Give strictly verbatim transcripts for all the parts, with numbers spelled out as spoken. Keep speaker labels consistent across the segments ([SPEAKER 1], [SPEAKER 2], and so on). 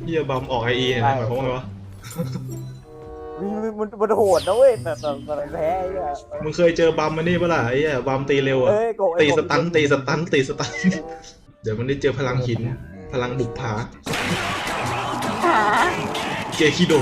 [SPEAKER 1] เฮียบัมออกไอเอเนี่ยหมายความว่าไงวะ
[SPEAKER 2] มันมันมันโหดนะเว้ยแต่แต่แต่แพ้ไอ้เนี่ย
[SPEAKER 1] มึงเคยเจอบัมมันนี่ปะล่ะไอ้เหี้ยบัมตีเร็วอะ
[SPEAKER 2] เอ้ยโกะ
[SPEAKER 1] ตีสตันตีสตันตีสตันเดี๋ยวมันได้เจอพลังหินพลังบุกผา
[SPEAKER 3] หา
[SPEAKER 1] เกคิโด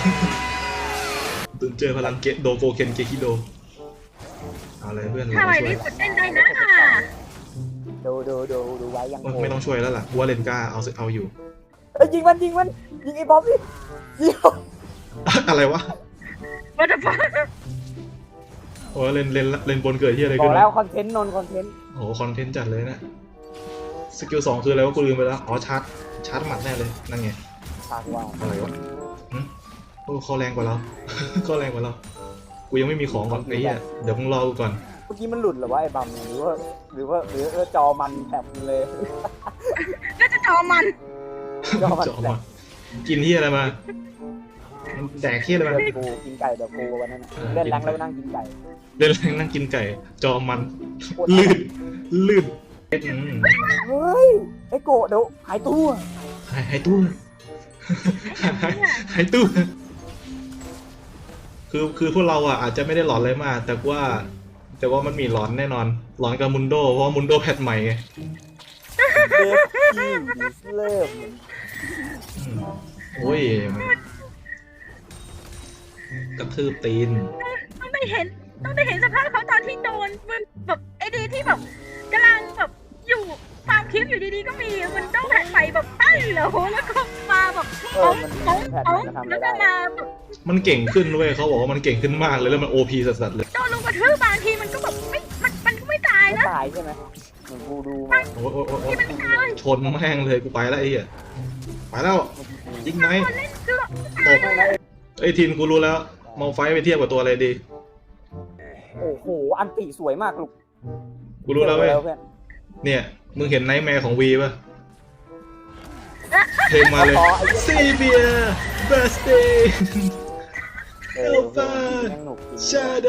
[SPEAKER 1] ตึงเจอพลังเกโดโกเคนเกคิโดเอาอะไรเพื่อน
[SPEAKER 3] ถ้า
[SPEAKER 1] เรา
[SPEAKER 3] ไหว
[SPEAKER 1] ช่ว
[SPEAKER 3] รี
[SPEAKER 1] ย
[SPEAKER 3] บกดเล่นได้นะ
[SPEAKER 2] ดูดูดูดูไว้ยังโก
[SPEAKER 1] ไม่ต้องช่วยแล้วล่ะว่าเลนก้าเอาเอาอยู่
[SPEAKER 2] เอ้ยยิงมันยิงมันยิงไอ้บอมดิยิง
[SPEAKER 1] อะไรวะ
[SPEAKER 3] What the fuck
[SPEAKER 1] โอ้เลนเลนเลนบนเกิดที่อะไร
[SPEAKER 2] บ
[SPEAKER 1] ขึ้
[SPEAKER 2] อก
[SPEAKER 1] น
[SPEAKER 2] แล้ว
[SPEAKER 1] วะ
[SPEAKER 2] คอนเทนต์นนคอนเทนต์
[SPEAKER 1] โอ้โหคอนเทนต์จัดเลยนะสกิลสองคืออะไรวะกูลืมไปแล้วอ๋อชาร์จชาร์จหมัดแน่เลยนั่นไง
[SPEAKER 2] ปากว่า
[SPEAKER 1] อะไรวะหึโอ้เขาแรงกว่าเรา เขาแรงกว่าเรากูยังไม่มีของก่อนไอ้เหี้ยเดี๋ยวมึงรอกูก่อน
[SPEAKER 2] เมื่อกี้มันหลุดเหรอวะไอ้บัมหรือว่าหรือว่าหรือว่าจอมันแถบเลย
[SPEAKER 3] น่าจะจอมัน
[SPEAKER 2] จอมัน
[SPEAKER 1] จะออกมากินที่อะไรมาแดกที่อะไรมา
[SPEAKER 2] เดี๋ยวกูกินไก่เดี๋ยวกูวันนั้นน่ะเล่นแรงแล้วนั่งกินไก่
[SPEAKER 1] เล่นแรงนั่งกินไก่ จอมันลื่นลื่นอืม
[SPEAKER 2] เฮ้ยไอ้โกะเดี๋ยวหายตัว
[SPEAKER 1] หายหายตู้หายหายตู้คือคือพวกเราอ่ะอาจจะไม่ได้หลอนอะไรมากแต่ว่า แต่ว่ามันมีหลอนแน่นอน หลอนกับมุนโดเพราะว่ามุนโดแพทใหม่ไง
[SPEAKER 2] เดฟที่เริ่ม
[SPEAKER 1] อืมโอ้ยกระทืบตีน
[SPEAKER 3] ต้องได้เห็นต้องได้เห็นสภาพเขาตอนที่โดนมันแบบไอ้ดีที่แบบกำลังแบบอยู่ตามคลิปอยู่ดีๆก็มีมันต้องแผ่นไปแบบตั้งเหรอแล้วก็มาแบบ
[SPEAKER 2] เอ
[SPEAKER 3] โป๊
[SPEAKER 2] อง มัน
[SPEAKER 3] โป๊ง
[SPEAKER 2] แพท
[SPEAKER 3] โป๊ง
[SPEAKER 2] มันทำ
[SPEAKER 3] แล้
[SPEAKER 2] ไม่
[SPEAKER 3] วก็
[SPEAKER 2] ได้
[SPEAKER 3] มาแบบ
[SPEAKER 1] มันเก่งขึ้นเว้ยเขาบอกว่ามันเก่งขึ้นมากเลยแล้วมันโอพีสัสๆเลย
[SPEAKER 3] โดนลงกระทืบบางทีมันก็แบบไม่มันมันก็ไม่ตาย
[SPEAKER 2] ไม่
[SPEAKER 3] นะ
[SPEAKER 2] ตายใช่ไหมเหมือนกูดูมา
[SPEAKER 1] โอ้ยโอ้ยโอ้ยโอ้ยชนแม่งเลยกูไปแล้วไอ้เหี้ยไปแล้วยิงไหม
[SPEAKER 3] คนเล่นคือแบบ
[SPEAKER 1] ตบไอ้ยทินกูรู้แล้วมองไฟไปเทียบกับตัวอะไรดี
[SPEAKER 2] โอ้โหอันติสวยมากลูก
[SPEAKER 1] กูรู้แล้วเว้ย
[SPEAKER 2] เพื่อน
[SPEAKER 1] เนี่ยมึงเห็นไนท์แมร์ของวีป่ะเพลงมาเลยซีเบียเบสตี้
[SPEAKER 2] เออเพื่อนยังหนุกจริง
[SPEAKER 1] ชาโด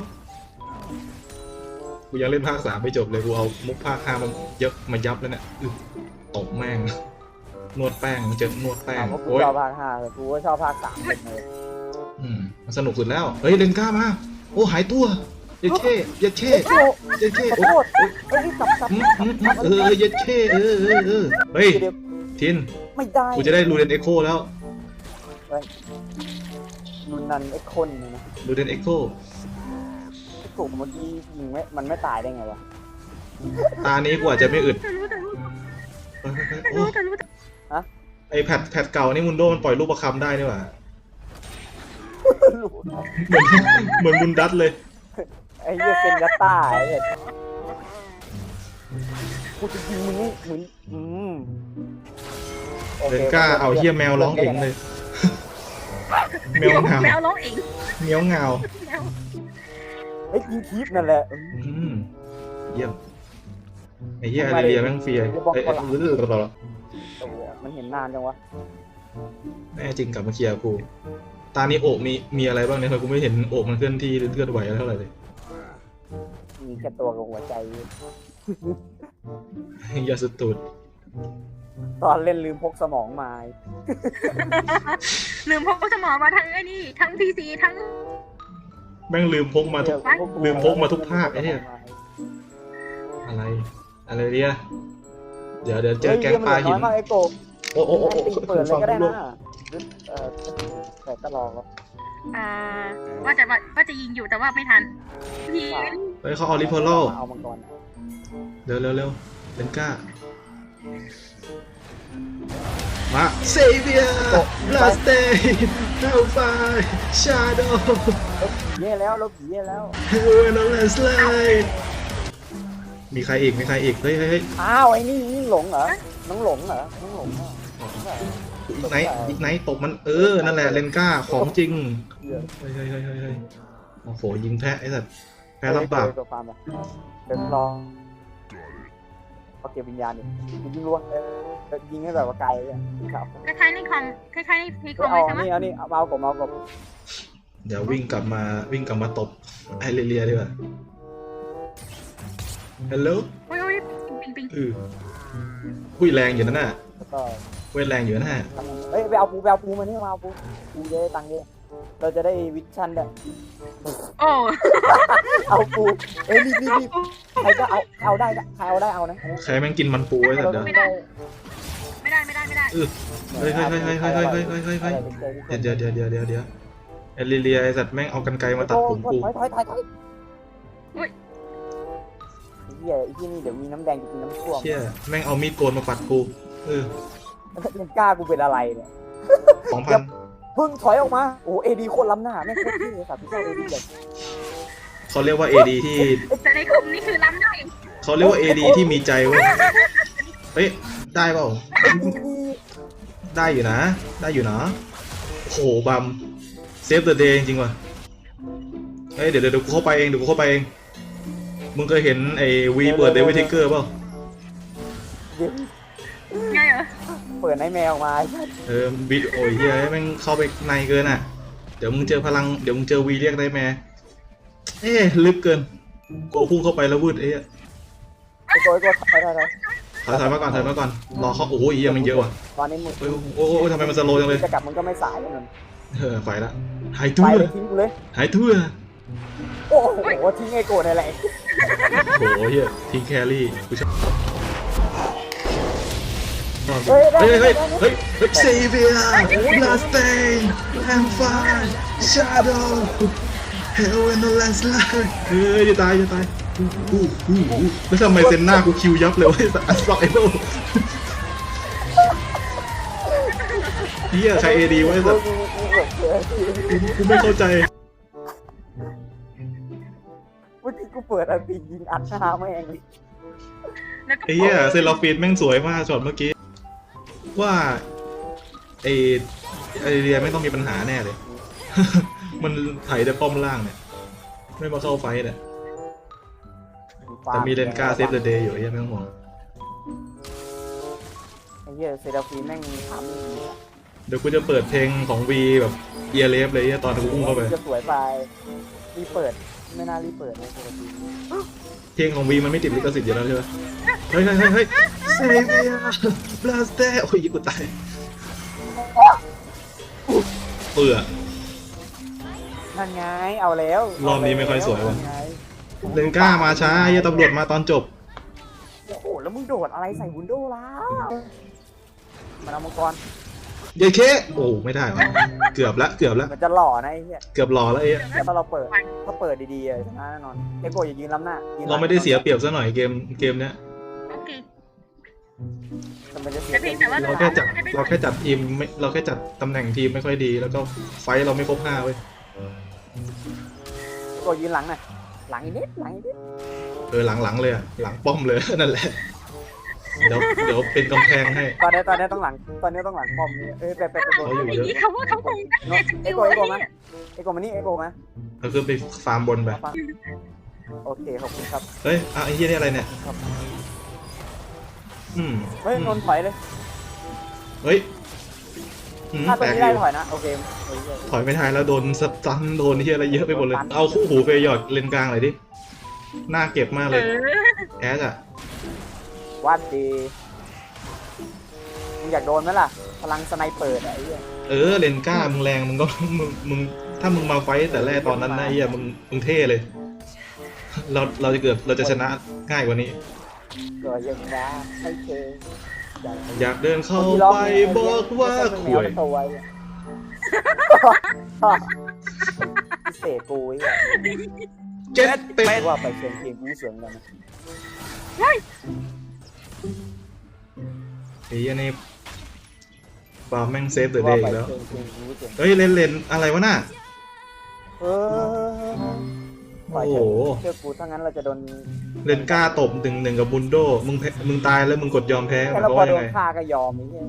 [SPEAKER 1] กูยังเล่นภาคสามไม่จบเลยกูเอามุกภาคห้ามันเยอะมายับแล้วเนี่ยอึตบแม่งนวดแป้งเจอนวดแป้ง
[SPEAKER 2] ถามว่ากู
[SPEAKER 1] โอ้ย
[SPEAKER 2] ชอบภาคห้าแต่กูก็ชอบภาคสามเป็นเลย
[SPEAKER 1] อืมมันสนุกสุดแล้วเฮ้ยเลนก้ามาโอ้หายตัวเยัดเช่เยัดเช่
[SPEAKER 2] โอ้
[SPEAKER 1] เยัดเช่
[SPEAKER 2] ขอ
[SPEAKER 1] โอ้
[SPEAKER 2] โทษเฮ้ยกลับกลับ
[SPEAKER 1] อืม
[SPEAKER 2] กลับ
[SPEAKER 1] อืม
[SPEAKER 2] กลับ
[SPEAKER 1] เออเยัดเช่เออเออเออเฮ้ย
[SPEAKER 2] เดี๋ยว
[SPEAKER 1] ทิน
[SPEAKER 2] ไม่ได้
[SPEAKER 1] กูจะได้รูเดนเอ็กโคแล้ว
[SPEAKER 2] นุนนันไอ้คนเนี่ยนะ
[SPEAKER 1] รูเดนเอ็กโค
[SPEAKER 2] ไอ้กลุ่มเมื่อกี้ยิงไม่มันไม่ตายได้ไงวะ
[SPEAKER 1] ตานี้กูอาจจะไม่อึด
[SPEAKER 3] แต่รู้แต่รู้
[SPEAKER 1] เฮ้ยเฮ้ย
[SPEAKER 3] แต่
[SPEAKER 1] เฮ้ยโอ้
[SPEAKER 3] รู้แต่รู้แต่
[SPEAKER 1] ไอแพดแพดเก่านี่มุนโดมันปล่อยลูกประคำได้นี่หว่า
[SPEAKER 2] รู้
[SPEAKER 1] เหมือนเหมือนมุนดัตเลย
[SPEAKER 2] ไอ้เหี้ยเป็นยัตต้าไอ้เหี้ยกูจะยิงมึงนี่มึงอืมโอค
[SPEAKER 1] เลนก้าเอาเฮียแมวร้องเองเลย แมวเหงา
[SPEAKER 3] แมวร้องเอง
[SPEAKER 1] เมียวเหงา
[SPEAKER 3] แมว
[SPEAKER 2] เฮ้ยยิงคีฟนั่นแหละ
[SPEAKER 1] อืมเยี่ยมไอ้เหี้ยอาริเลียแม่งเฟียไอ้ไอ้เออ
[SPEAKER 2] โอ้โหมันเห็นนานจังวะ
[SPEAKER 1] แน่จริงกลับมาเคลียร์กู ตานี้โอบมีมีอะไรบ้างเนี่ยทำไมกูไม่เห็นโอบมันเคลื่อนที่หรือเคลื่อนไหวอะไรเท่าไหร่เลย
[SPEAKER 2] มีแค่ตัวกับหัวใจ
[SPEAKER 1] ยาสุดตูด
[SPEAKER 2] ตอนเล่นลืมพกสมองมา
[SPEAKER 3] ลืมพกสมองมาทั้งไอ้นี่ทั้งพีซีทั้ง
[SPEAKER 1] แม่งลืมพกมาทุก ลืมพกมาทุกภาคไอ้เนี่ย อะไร อะไรเดียเดี๋ยวเดี๋ยวเจอแก๊งปลาหิน
[SPEAKER 2] เฮ้ยเหี้ยมันเหลือน้อยมากไอ้โก
[SPEAKER 1] โอ้โอ้โอ้
[SPEAKER 2] แอน
[SPEAKER 1] โอ้
[SPEAKER 2] ตี้เปิดเลยก็ได้
[SPEAKER 1] ฟั
[SPEAKER 2] นะ
[SPEAKER 1] ง
[SPEAKER 2] เออแต่ก็ลองแล้ว
[SPEAKER 3] อ่าว่าจะว่าว่าจะยิงอยู่แต่ว่าไม่ทันยิง
[SPEAKER 1] เฮ้ยเขาเอาลิพอล
[SPEAKER 2] เอามังกร
[SPEAKER 1] เร็วเร็วเร็วเลนก้า มาเซเวียบลาสเตย์เฮลไฟชาโด
[SPEAKER 2] เย่แล้วลบเย่แล้ว
[SPEAKER 1] เฮลนอลสไลด์มีใครอีก มีใครอีก เฮ้ยเฮ้ย
[SPEAKER 2] อ้าวไอ้นี่ยิ่งหลงเหรอ น้องหลงเหรอ น้องหลงเหรอ
[SPEAKER 1] อีกไหนอีกไหนตบมัน เออ นั่นแหละเลนก้าของจริง
[SPEAKER 2] เหี้ย
[SPEAKER 1] เฮ้ยเฮ้ยเฮ้ยเฮ้ยโอ้โห ยิงแพ้ไอ้สัตว์แพ้รับบาป
[SPEAKER 2] ตัวฟาร์มอะเดินรอเขาเก็บวิญญาณดิยิงรัวเออยิงให้แบบว่าไกลเลยครับ
[SPEAKER 3] คล้ายๆในคอมคล้ายๆในพีคอม
[SPEAKER 2] เอา
[SPEAKER 3] เลยใช่ไหม
[SPEAKER 2] นี่เอานี่เอาเอาผมเอาผม
[SPEAKER 1] เดี๋ยววิ่งกลับมาวิ่งกลับมาตบไอเรเลียดีกว่าฮัลโหล
[SPEAKER 3] โอ้ยโอ้ยปิงปิง
[SPEAKER 1] อือหุ้ยแรงอยู่นั่นน่ะ
[SPEAKER 2] แล้วก็
[SPEAKER 1] โเวทแรงอยู่นะฮะ
[SPEAKER 2] เอ้ยไปเอาปูไปเอาปูมานี่มาเอาปูปูจะได้ตังค์เยอะเราจะได้วิชั่นด้วย
[SPEAKER 3] โอ้
[SPEAKER 2] เอาปูเอ้ยรีบรีบรีบใครก็เอาเอาได้ใครเอาได้เอานะ
[SPEAKER 1] ใครแม่งกินมันปูไว้สัตว์เดี๋ยว
[SPEAKER 3] ไม่ได้ไม่ได้ไม่ได้ไม่ได้
[SPEAKER 1] เฮ้ยเฮ้ยเฮ้ยเฮ้ยเฮ้ยเฮ้ยเฮ้ยเฮ้ยเฮ้ยเฮ้ยเดี๋ยวเดี๋ยวเดี๋ยวเดี๋ยวเดี๋ยวเอลิเลียไอสัตว์แม่งเอากันไกรมาตัดผมกู
[SPEAKER 2] ถอยถอยถอยถอยไอ้เหี้ยไอ้ที่นี่เดี๋ยวมีน้ำแดงจะกินน้ำท่วม
[SPEAKER 1] เชี่ยแม่งเอามีดโกนมาปัดกูเออ
[SPEAKER 2] ยังกล้ากูเป็นอะไรเนี่ย
[SPEAKER 1] สองพัน
[SPEAKER 2] เพิ่งถอยออกมาโอ้เอดีโคตรล้ำหน้าแม่งโคตรที่เลยสัตว์พี่เจ้าเอดีเลย
[SPEAKER 1] เขาเรียกว่าเอดีที่
[SPEAKER 3] แต่ในกลุ่มนี่คือล้ำได้
[SPEAKER 1] เขาเรียกว่าเอดีที่มีใจเว้ยเฮ้ยได้เปล่าได้อยู่นะได้อยู่นะโหบัมเซฟเดอะเดย์จริงๆว่ะเฮ้ยเดี๋ยวเดี๋ยวกูเข้าไปเองเดี๋ยวกูเข้าไปเองมึงเคยเห็นไอ้วีเปิดเดวิดทิกเกอร์เปล่า
[SPEAKER 3] ไงเหรอ
[SPEAKER 2] เปิดในแมวมา
[SPEAKER 1] เออบีโอ้ยเฮ้ยแม่งเข้าไปในเกินอ่ะเดี๋ยวมึงเจอพลังเดี๋ยวมึงเจอวีเรียกได้แม่เอ๊ะลึกเกินกูพุ่งเข้าไปแล้ววืดเอ๊ะ
[SPEAKER 2] ไอ้โก้ไอ้โก้ถอยถอยถอย
[SPEAKER 1] ถอยถอยมาก่อนถอยมาก่อนรอเขาโอ้ยเหี้ยมันเยอะว่ะ
[SPEAKER 2] ตอนนี้มึง
[SPEAKER 1] โอ้ยโอ้ยโอ้ยทำไมมันสโลว์จังเลย
[SPEAKER 2] จะกลับมึงก็ไม่สายแล้วนั่น
[SPEAKER 1] เออไฟละหาย
[SPEAKER 2] ไป
[SPEAKER 1] ทั่ว
[SPEAKER 2] เลยทิ้งกูเลย
[SPEAKER 1] หายทั่ว
[SPEAKER 2] โอ้โหทิ้งไอ้โก้ในแหละ
[SPEAKER 1] โอ้โหเฮียทิ้งแครี่กูชอบเฮ้
[SPEAKER 2] เฮ้
[SPEAKER 1] ย
[SPEAKER 2] ยได้
[SPEAKER 1] เฮ้ย
[SPEAKER 2] ได้
[SPEAKER 1] เฮ้ย
[SPEAKER 2] ได้
[SPEAKER 1] เฮ้ยเฮ้ยเซเวียบลาสเตนแอมฟานชาโดว์เฮลเวนอลแลนส์ไลน์เฮ้ยจะตายจะตายอู้อู้อู้อู้แล้วทำไมเซนหน้ากูคิวยับเลยวะไอ้สัสอัสซอกไอ้โบ้เฮียใครเอดีวะไอ้สัสกูไม่เข้าใจ
[SPEAKER 2] เมื่อกี้กูเปิดอันตียิงอัดหน้าแม่ง
[SPEAKER 3] แล้วก็
[SPEAKER 1] ไอ้เหี้ยเซราฟีนแม่งสวยมากช็อตเมื่อกี้ว่าไอ้ไอเรียไม่ต้องมีปัญหาแน่เลย มันไถแต่ป้อมล่างเนี่ยไม่มาเข้าไฟท์เนี่ยแต่มีเลนกาเซฟเดอะเดย์อยู่ไอ้เหี้ยไม่ต้องห่วง
[SPEAKER 2] ไอ้เหี้ยเซราฟีแม่งทำอย่างนี้
[SPEAKER 1] เดี๋ยวกูจะเปิดเพลงของวีแบบเอียเลฟเลยไอ้เหี้ยตอนกูอุ้มเข้าไป
[SPEAKER 2] จะสวยไปรีเปิดไม่น่ารีเปิดเลยเซราฟี
[SPEAKER 1] เพลงของวีมันไม่ติดลิขสิทธิ์อยู่แล้วใช่ไหมเฮ้ยเฮ้ยเฮ้ยเฮ้ยเซเวียบลาสเตโอ้ยกูตายเปื่อ
[SPEAKER 2] นั่นไงเอาแล้ว
[SPEAKER 1] รอบนี้ไม่ค่อยสวยว่ะ
[SPEAKER 2] นั่นไง
[SPEAKER 1] เลนกามาช้าไอ้เหี้ยตำรวจมาตอนจบ
[SPEAKER 2] โอ้โหแล้วมึงโดดอะไรใส่วินโดว์แล้วมันเอามังกร
[SPEAKER 1] เยเคโอ้ไม่ได้วะเกือบละเกือบละ
[SPEAKER 2] มันจะหล่อนะไอ้เหี้ย
[SPEAKER 1] เกือบหล่อแล้วไอ้เหี้ย
[SPEAKER 2] แต่ถ้าเราเปิดถ้าเปิดดีๆอะชนะแน่นอนเอโกอย่ายืนล้ำหน้ายืนหลัง
[SPEAKER 1] เราไม่ได้เสียเปรียบซะหน่อยเกมเกมเนี้ย
[SPEAKER 3] โอเค
[SPEAKER 2] แต่มันจะเสีย
[SPEAKER 3] แต่เพียงแต่ว่า
[SPEAKER 1] เราแค่จัดเราแค่จัดทีมไม่เราแค่จัดตำแหน่งทีมไม่ค่อยดีแล้วก็ไฟท์เราไม่ครบห้าเว้ย
[SPEAKER 2] โกยืนหลังหน่อยหลังอีกนิดหลังอีกนิด
[SPEAKER 1] เออหลังๆเลยอะหลังป้อมเลย นั่นแหละเดี๋ยวเดี๋ยวเป็นกำแพงให้
[SPEAKER 2] ตอนนี้ตอนนี้ต้องหลังตอนนี้ต้องหลังป้อมนี่เอ้ยไปไปไปโดน
[SPEAKER 1] เขาอยู่
[SPEAKER 3] อย่างนี้เขาว่าเขาคงตั้งใจส
[SPEAKER 2] เอ
[SPEAKER 3] กิล
[SPEAKER 2] โกเอ
[SPEAKER 3] ไอ้
[SPEAKER 2] โกมา
[SPEAKER 3] เนี่ย
[SPEAKER 2] เอโกมานี่เอโกมา
[SPEAKER 1] ก็คือไปฟาร์มบนไป
[SPEAKER 2] เอาฟังโอเคขอบคุณครับ
[SPEAKER 1] เฮ้ยอ่ะไอ้เหี้ยนี่อะไรเนี่ย
[SPEAKER 2] ครับ
[SPEAKER 1] อืม
[SPEAKER 2] เฮ้ยนนท์ถอยเลย
[SPEAKER 1] เฮ้ยอืม
[SPEAKER 2] ถ้าตร
[SPEAKER 1] แปล
[SPEAKER 2] ง
[SPEAKER 1] ก
[SPEAKER 2] นี้
[SPEAKER 1] อ
[SPEAKER 2] ได้
[SPEAKER 1] ยู่
[SPEAKER 2] ถอยนะโอเคเฮ้ยเฮ้ย
[SPEAKER 1] ถอยไม่ทันแล้วโดนสตันโดนเหี้ยอะไรเยอะไปหมดเลยเอาคู่หูเฟยหยอดเลนกลางหน่อยดิหน้าเก็บมาก
[SPEAKER 3] เอ
[SPEAKER 1] เลย
[SPEAKER 3] อ
[SPEAKER 1] แอสอะ
[SPEAKER 2] วัดดีมึงอยากโดนไหมล่ะพลังสไนเปอร์อะไอ้เหี้ย
[SPEAKER 1] เออเลนก้ามึงแรงมึงก็ มึงมึงถ้ามึงมาไฟต์แต่แรกตอนนั้นนะไอ้เหี้ยมึงมึงเท่เลย เราเราจะเกือบเราจะชนะง่ายกว่านี้
[SPEAKER 2] ก็ยังรักให้เธออยาก
[SPEAKER 1] อยากเดินเข้าไปบอกว่า
[SPEAKER 2] คุ
[SPEAKER 1] ข่วย
[SPEAKER 2] ยตัวไว้พิเศษกูไอ้เหี้ย
[SPEAKER 1] เจ็ดเป็ด
[SPEAKER 2] ว่าไปเชียงเคียงกูเสียงกันนะ
[SPEAKER 1] ไอ้เหี้ยนี่ปาล์มแม่งเซฟเดอะเด
[SPEAKER 2] ว่า
[SPEAKER 1] ย์
[SPEAKER 2] ไป
[SPEAKER 1] อีกแล้ว
[SPEAKER 2] เชียงเคียงกูเสียง
[SPEAKER 1] เฮ้ยเลนเลนอะไรวะน่ะ
[SPEAKER 2] เออ
[SPEAKER 1] โอ้โห
[SPEAKER 2] เชื่อกูถ้างั้นเราจะโดน
[SPEAKER 1] เลนก้าตบหนึ่งหนึ่งกับบุนโดมึงแพ้มึงตายแล้วมึงกดยอมแพ้ห
[SPEAKER 2] แค่
[SPEAKER 1] มาย
[SPEAKER 2] เรา
[SPEAKER 1] ความ
[SPEAKER 2] พอ
[SPEAKER 1] ว่า
[SPEAKER 2] โด
[SPEAKER 1] ยัง
[SPEAKER 2] น
[SPEAKER 1] ไง
[SPEAKER 2] ฆ่าก็ยอมไอ้เหี้ย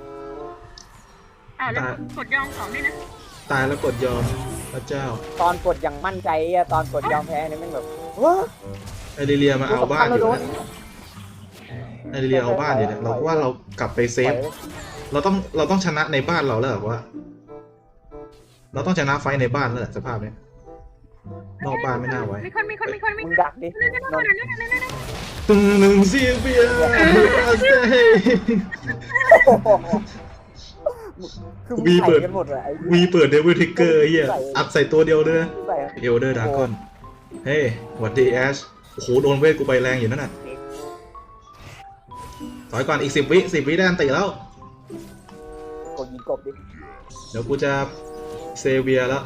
[SPEAKER 3] อ้าวแล้วกดยอมสองด้วยนะ
[SPEAKER 1] ตายแล้วกดยอมพระเจ้า
[SPEAKER 2] ตอนกดอย่างมั่นใจอะตอนกดยอมแพ้เนี่ยแม่งแบบว้า
[SPEAKER 1] ไอริเลียมาเอาบ้านอยู่
[SPEAKER 2] โด
[SPEAKER 1] นะไอริเลียเอาบ้านอยู่เนี่ยเราว่าเรากลับไปเซฟ เราต้องเราต้องชนะในบ้านเราแล้วเหรอวะเราต้องชนะไฟท์ในบ้านแล้วแหละสภาพเนี้ยนอกบ้านไม่น่าไว้
[SPEAKER 3] มีคนมีคนมีคนมี
[SPEAKER 2] มึง
[SPEAKER 3] คน
[SPEAKER 2] ดักดิ
[SPEAKER 3] นั่นนั่น
[SPEAKER 2] นน
[SPEAKER 3] นั่น
[SPEAKER 2] ท์
[SPEAKER 3] นั่นนั่นนั่น
[SPEAKER 1] ตึงหนึ่งเสียเบียร์เซ่
[SPEAKER 2] คือมึง
[SPEAKER 1] วี
[SPEAKER 2] ใส่
[SPEAKER 1] เปิด
[SPEAKER 2] กันหมดเลยไอ้
[SPEAKER 1] วีเปิดเดวิลทิกเกอร์เฮียอัดใส่ตัวเดียวเลยนะ
[SPEAKER 2] ใส่
[SPEAKER 1] เอลเดอร์ดากอนเฮ้ยหวัดดีแอชโอ้โหโดนเวทกูไปแรงอยู่นั่นน่ะถอยก่อนอีกสิบวิสิบวิได้อันติแล้ว
[SPEAKER 2] กดยิงกบดิ
[SPEAKER 1] เดี๋ยวกูจะเซเวียแล้ว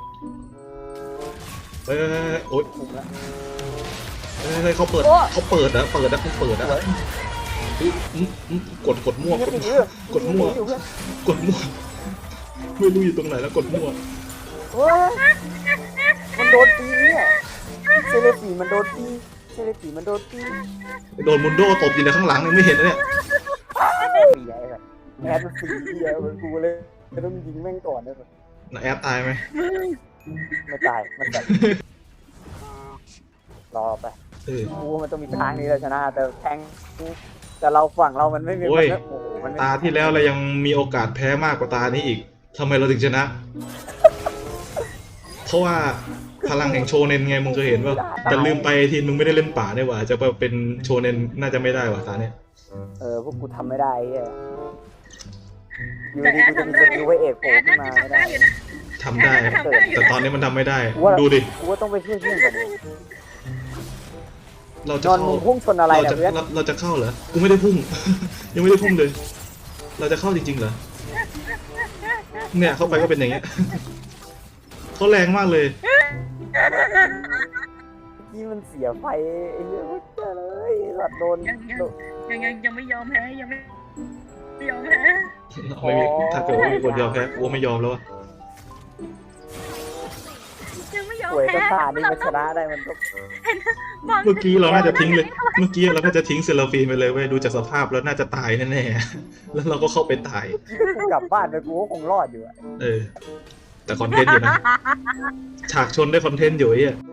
[SPEAKER 1] เฮ้ยโอ๊ย
[SPEAKER 2] ถูกแล้ว
[SPEAKER 1] เฮ้ยเขาเปิดเขาเปิดนะเปิดนะเขาเปิดนะกดกดมั่ว
[SPEAKER 2] ยิง
[SPEAKER 1] กด
[SPEAKER 2] ติด
[SPEAKER 1] มั่
[SPEAKER 2] เรื
[SPEAKER 1] ว
[SPEAKER 2] อก
[SPEAKER 1] ดมั่ว
[SPEAKER 2] อยู่เพื่อน
[SPEAKER 1] กดมั่วไม่รู้อยู่ตรงไหนแล้วกดมั่ว
[SPEAKER 2] เฮ้ยมันโดนตีเนี่ยเซเลสีมันโดนตีเซเลสีมันโดนตี
[SPEAKER 1] โดนมุนโดตบอยู่ในข้างหลังยังไม่เห็นนะเนี่ย
[SPEAKER 2] ตีไอ้แบบแอดมันสีเดียวมันกูเลยต้องยิงแม่งก่อนนะแบบ
[SPEAKER 1] นะแอดตายไหม
[SPEAKER 2] ไม่ตายมันแบบรอไป
[SPEAKER 1] เออ
[SPEAKER 2] กูมันต้องมีทางนี้เราชนะแต่แทงแต่เราฝั่งเรามันไม่มี
[SPEAKER 1] โอ้ย
[SPEAKER 2] โอ้โหมันไม่
[SPEAKER 1] ตาที่แล้วเรายังมีโอกาสแพ้มากกว่าตานี้อีกทำไมเราถึงชนะ เพราะว่าพลังแห่งโชเนนไงมึงเคยเห็นป่ะแต่ลืมไปทีมึงไม่ได้เล่นป่าเนี่ยว่ะจะไปเป็นโชเนนน่าจะไม่ได้ว่ะตาเนี่ย
[SPEAKER 2] เออพวกกูทำไม่ได้ไอ้เหี้ยอยู่
[SPEAKER 3] แต่
[SPEAKER 2] ดี
[SPEAKER 3] แอ
[SPEAKER 2] กู
[SPEAKER 3] ด
[SPEAKER 2] จะมีส
[SPEAKER 3] ทำได้
[SPEAKER 2] กิลไว้เอกโผ
[SPEAKER 3] แอ
[SPEAKER 2] ล่
[SPEAKER 3] ด
[SPEAKER 2] ขึ้
[SPEAKER 3] น่าน
[SPEAKER 2] มา
[SPEAKER 3] จะ
[SPEAKER 2] ไม่
[SPEAKER 3] ทำ
[SPEAKER 2] ได้
[SPEAKER 3] ได้อยู่นะ
[SPEAKER 1] ทำได้
[SPEAKER 3] ทำได้อยู่
[SPEAKER 1] แต่ตอนนี้มันทำไม่ได้
[SPEAKER 2] กูว่า
[SPEAKER 1] ดูดิ
[SPEAKER 2] กูว่าต้องไปช่วยเพื่อนก่อนดิ
[SPEAKER 1] เรา
[SPEAKER 2] น
[SPEAKER 1] จะ
[SPEAKER 2] อน
[SPEAKER 1] เข้า
[SPEAKER 2] มึงพุ่งชนอะไร
[SPEAKER 1] เรา
[SPEAKER 2] เนี่ย
[SPEAKER 1] จะ
[SPEAKER 2] เพื่อน
[SPEAKER 1] เราเราจะเข้าเหรอกูไม่ได้พุ่ง ยังไม่ได้พุ่งเลย เราจะเข้าจริงๆเหรอเนี่ยเข้าไปก็เป็นอย่างเงี้ย เขาแรงมากเลย
[SPEAKER 2] ที่มันเสียไฟไอ้เหี้ยเจ้าเลยสัตว์โดน
[SPEAKER 3] ยังยัง
[SPEAKER 2] โดน
[SPEAKER 3] ยังยังยังไม่ยอมแพ้ยังไม่ไม่ยอมแพ้
[SPEAKER 1] ไม่มีถ้าเกิดว่ามีคนยอมแพ้กูไม่ยอมแล้วอะ
[SPEAKER 3] ยังไม่ยอม
[SPEAKER 2] ป่วย
[SPEAKER 3] แพ้
[SPEAKER 2] ก็ตานี่มันชนะได้มันก็
[SPEAKER 3] บาง
[SPEAKER 1] เมื่อกี้เราน่าจะทิ้งเลย เมื่อกี้เราน่าจะทิ้งเซลฟีนไปเลยเว้ยดูจากสภาพแล้วน่าจะตายแน่ๆ แล้วเราก็เข้าไปตาย
[SPEAKER 2] กูกลับบ้านไปกูก็คงรอดอยู่อะ
[SPEAKER 1] เออ แต่คอนเทนต์อยู่นะ ฉากชนได้คอนเทนต์อยู่ไอ้เหี้ย